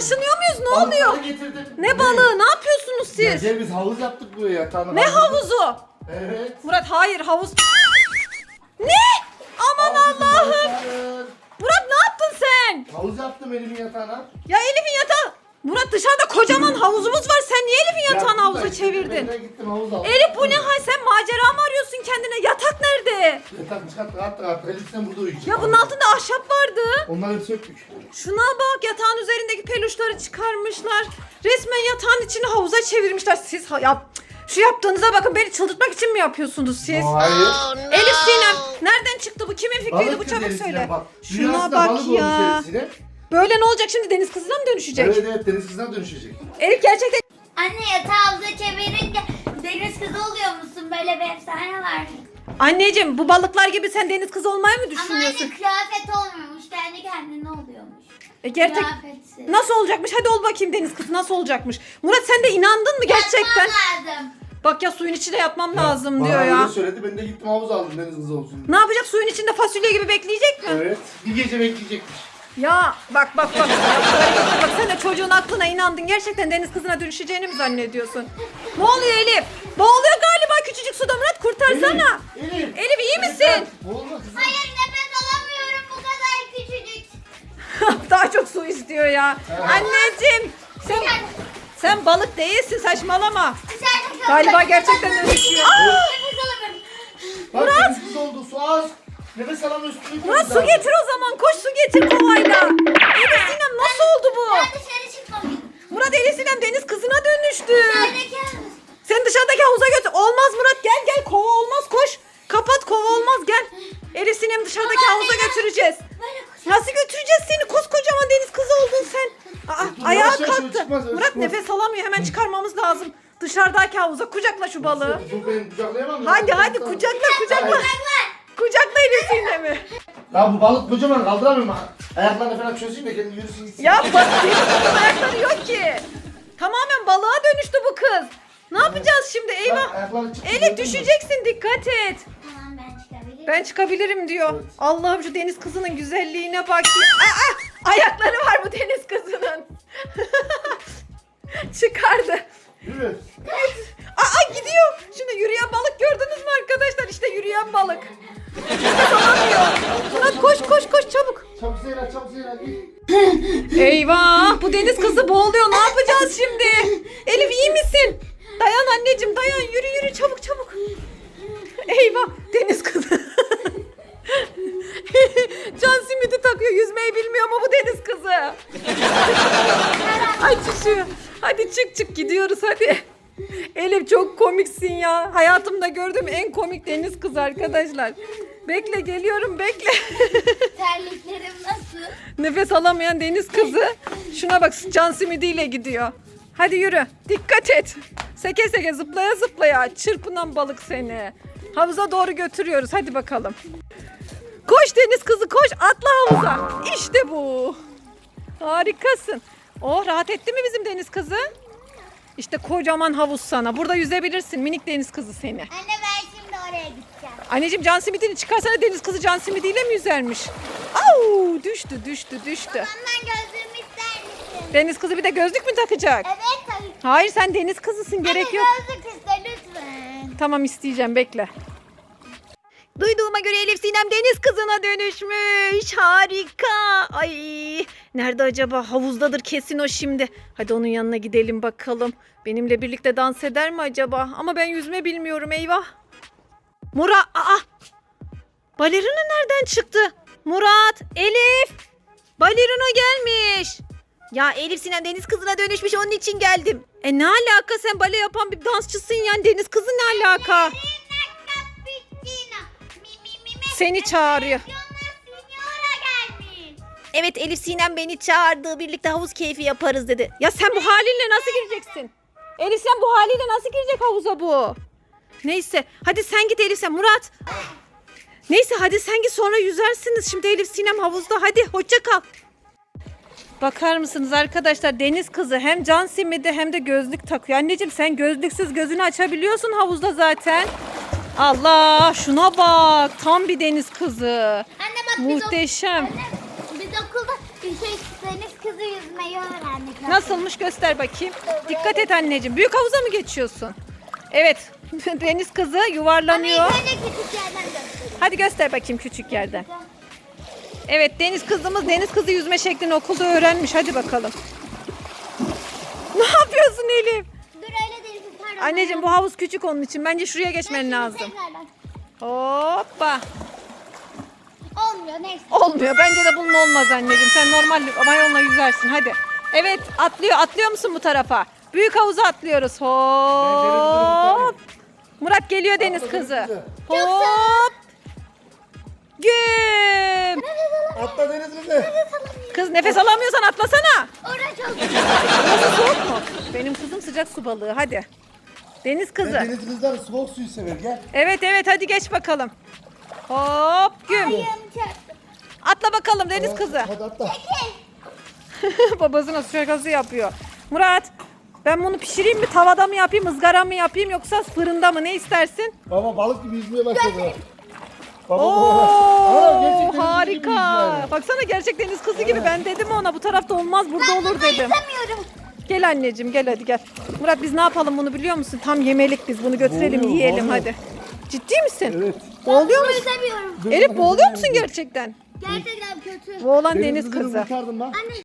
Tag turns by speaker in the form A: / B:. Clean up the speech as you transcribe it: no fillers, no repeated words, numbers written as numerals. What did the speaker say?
A: Taşınıyor muyuz? Ne oluyor?
B: Balıkları getirdim.
A: Ne balığı? Ne yapıyorsunuz siz?
B: Gel biz havuz yaptık buraya. Tamam,
A: Ne havuzu?
B: Evet.
A: Murat hayır havuz. Ne? Aman Allah'ım. Murat ne yaptın sen?
B: Havuz yaptım elimin yatağına.
A: Ya Elif'in yatağı. Murat dışarıda kocaman havuzumuz var. Sen niye Elif'in yatağını
B: Yaptım
A: havuza
B: da işte,
A: çevirdin?
B: ben de gittim havuz aldım.
A: Elif bu ne hal? Sen macera mı arıyorsun kendine? Yatak nerede?
B: Yatak çıkarttık attık. Elif sen burada uyuyacak.
A: Ya bunun altında ahşap vardı.
B: Onları söktük.
A: Şuna bak, yatağın üzerindeki peluşları çıkarmışlar. Resmen yatağın içini havuza çevirmişler. Siz şu yaptığınıza bakın, beni çıldırtmak için mi yapıyorsunuz siz?
B: Hayır.
A: Elif Sinem nereden çıktı bu? Kimin fikriydi
B: Balık
A: bu?
B: kız
A: Çabuk
B: Elif
A: söyle.
B: Sinem bak.
A: Şuna
B: Dünyasında
A: bak
B: balık olmuş
A: ya.
B: Elif Sinem.
A: Böyle ne olacak şimdi, deniz kızına mı dönüşecek?
B: Evet evet deniz kızına dönüşecek.
A: Elif gerçekten
C: Anne yatağı havuza çevirince deniz kızı oluyor musun? Böyle bir efsane var.
A: anneciğim, bu balıklar gibi sen deniz kızı olmayı mı
C: Ama
A: düşünüyorsun?
C: anne kıyafet olmuyormuş. Kendi kendine oluyormuş.
A: Gerçek
C: Kıyafetsiz.
A: nasıl olacakmış? Hadi ol bakayım, deniz kızı nasıl olacakmış? Murat sen de inandın mı gerçekten?
C: Yapmam lazım.
A: Bak ya, suyun içinde yatmam lazım
B: Bana
A: diyor
B: öyle
A: ya.
B: söyledi, ben de gittim havuz aldım deniz kızı olsun.
A: Ne yapacak, suyun içinde fasulye gibi bekleyecek mi?
B: Evet. Bir gece bekleyecekmiş.
A: Ya bak. Bak sen de çocuğun aklına inandın. Gerçekten deniz kızına dönüşeceğini mi zannediyorsun? Ne oluyor Elif? Boğuluyor galiba küçücük suda, Murat kurtarsana.
B: Elif.
A: Elif iyi misin?
B: Boğulma kızım.
C: Hayır nefes alamıyorum bu kadar küçücük.
A: Daha çok su istiyor ya. Anneciğim sen balık değilsin, saçmalama.
C: Dışarıda
A: Galiba
C: kalacak.
A: gerçekten
C: Nefes
A: dönüşüyor.
C: alamıyorum. Nefes alamıyorum.
B: Bak deniz kızı oldu, su az. Nefes alamıyorsun.
A: Murat su getir o zaman, koş su getir kovayla. Elif Sinem nasıl oldu bu?
C: Ben dışarı çıkmamışım.
A: Murat, Elif Sinem deniz kızına dönüştü.
C: Dışarıdaki havuz.
A: Sen dışarıdaki havuza götür. Olmaz Murat, gel kova olmaz, koş. Kapat, kova olmaz, gel. Elif Sinem dışarıdaki
C: Ama
A: havuza
C: anne,
A: götüreceğiz.
C: Böyle
A: Nasıl götüreceğiz seni? Koskocaman deniz kızı oldun sen.
B: Dur,
A: Ayağa
B: yavaş yavaş,
A: kalktı.
B: çıkmaz,
A: Murat
B: çıkmaz.
A: nefes alamıyor. Hemen çıkarmamız lazım. Dışarıdaki havuza kucakla şu balığı.
B: Dur ben kucaklayamam.
A: Hadi kucakla. Kucakla Elif Sinem'i.
B: Ya bu balık kocaman, kaldıramıyorum. Ayaklarını falan çözeyim de kendi yürüsün gitsin.
A: Ya bak, deniz kızının ayakları yok ki. Tamamen balığa dönüştü bu kız. Ne yapacağız şimdi?
B: Bak,
A: Eyvah.
B: ayakları çıktı,
A: Elif
B: gördün mü?
A: düşeceksin, dikkat et.
C: Tamam ben çıkabilirim.
A: Ben çıkabilirim diyor.
B: Evet.
A: Allah'ım şu deniz kızının güzelliğine bak. Ayakları var bu deniz kızının. Çıkardı.
B: Yürü.
A: Gidiyor. Şimdi yürüyen balık gördünüz mü arkadaşlar? İşte yürüyen balık. Nefes alamıyor. Murat koş çabuk.
B: Çabuk Zehra git.
A: Eyvah, bu deniz kızı boğuluyor. Ne yapacağız şimdi? Elif iyi misin? Dayan anneciğim, dayan. Yürü çabuk. Eyvah, deniz kızı. Can simidi takıyor. Yüzmeyi bilmiyor ama bu deniz kızı. Ay düşüyor. Hadi çık gidiyoruz hadi. Elif çok komiksin ya. Hayatımda gördüğüm en komik deniz kızı arkadaşlar. Bekle, geliyorum, bekle.
C: Terliklerim nasıl?
A: Nefes alamayan deniz kızı. Şuna bak, can simidiyle gidiyor. Hadi yürü. Dikkat et. Seke zıplaya çırpınan balık seni. Havuza doğru götürüyoruz. Hadi bakalım. Koş deniz kızı, koş. Atla havuza. İşte bu. Harikasın. Oh, rahat etti mi bizim deniz kızı? İşte kocaman havuz sana. Burada yüzebilirsin minik deniz kızı seni.
C: Anne ben şimdi oraya gideceğim.
A: Anneciğim, can simidini çıkarsana, deniz kızı can simidiyle mi yüzermiş? Au, düştü.
C: Ondan gözlüğümü ister misin?
A: Deniz kızı bir de gözlük mü takacak?
C: Evet tabii.
A: Hayır, sen deniz kızısın, gerek
C: Anne
A: yok.
C: gözlük iste lütfen.
A: Tamam, isteyeceğim, bekle. Duyduğuma göre Elif Sinem deniz kızına dönüşmüş. Harika. Ay, nerede acaba? Havuzdadır kesin o şimdi. Hadi onun yanına gidelim bakalım. Benimle birlikte dans eder mi acaba? Ama ben yüzme bilmiyorum, eyvah. Murat, balerina nereden çıktı? Murat, Elif. Balerina gelmiş. Ya Elif Sinem deniz kızına dönüşmüş, onun için geldim. Ne alaka, sen bale yapan bir dansçısın yani, deniz kızı ne alaka? Seni çağırıyor. Evet, Elif Sinem beni çağırdı, birlikte havuz keyfi yaparız dedi. Ya sen bu halinle nasıl gireceksin? Elif Sinem bu haliyle nasıl girecek havuza bu? Neyse hadi sen git Elif Sinem. Murat. Neyse hadi sen git, sonra yüzersiniz. Şimdi Elif Sinem havuzda, hadi hoşça kal. Bakar mısınız arkadaşlar, deniz kızı hem can simidi hem de gözlük takıyor. Anneciğim, sen gözlüksüz gözünü açabiliyorsun havuzda zaten. Allah, şuna bak, tam bir deniz kızı.
C: Anne bak
A: Muhteşem.
C: Biz okulda deniz kızı yüzmeyi öğrendik.
A: Nasılmış göster bakayım. Dikkat et anneciğim. Büyük havuza mı geçiyorsun? Evet. Deniz kızı yuvarlanıyor.
C: Ama ilk önce küçük yerden göstereyim.
A: Hadi göster bakayım küçük yerden. Evet deniz kızımız deniz kızı yüzme şeklini okulda öğrenmiş. Hadi bakalım. Ne yapıyorsun Elif?
C: Dur öyle değil. Pardon.
A: Anneciğim bu havuz küçük onun için. Bence şuraya geçmen lazım.
C: Tekrardan.
A: Hoppa.
C: Olmuyor neyse.
A: Olmuyor. Bence de bunun olmaz anneciğim. Sen normal mayonla yüzersin. Hadi. Evet atlıyor. Atlıyor musun bu tarafa? Büyük havuza atlıyoruz. Hop. Murat geliyor deniz kızı. Hop. Güm.
B: Atla deniz kızı.
A: Kız nefes alamıyorsan atlasana.
C: Orada çok
A: Nasıl soğuk mu? Benim kızım sıcak su balığı. Hadi. Deniz kızı.
B: Deniz kızlar soğuk suyu sever gel.
A: Evet hadi geç bakalım. Hop güm.
C: ayağım çarptı.
A: Atla bakalım deniz kızı.
B: Hadi atla.
A: Babasına şakası yapıyor. Murat ben bunu pişireyim mi? Tavada mı yapayım? Izgara mı yapayım? Yoksa fırında mı? Ne istersin?
B: Baba balık gibi yüzmeye başladı. Baba
A: Oo
B: gerçekten gibi
A: harika.
B: yüzüyor.
A: Baksana gerçek deniz kızı gibi. Ben dedim ona bu tarafta olmaz burada
C: Ben
A: olur
C: bunu
A: dedim.
C: istemiyorum.
A: Gel anneciğim gel hadi gel. Murat biz ne yapalım bunu biliyor musun? Tam yemelik biz bunu götürelim
B: Boğuluyor,
A: yiyelim
B: boğuluyor.
A: hadi. Ciddi misin?
B: Evet.
A: Boğuluyor
C: Bunu
A: musun?
C: istemiyorum.
A: Elif boğuluyor musun gerçekten?
C: Gerçekten kötü.
A: Boğulan deniz
B: kızını
A: kızı.
B: kurtardım lan.
C: Anne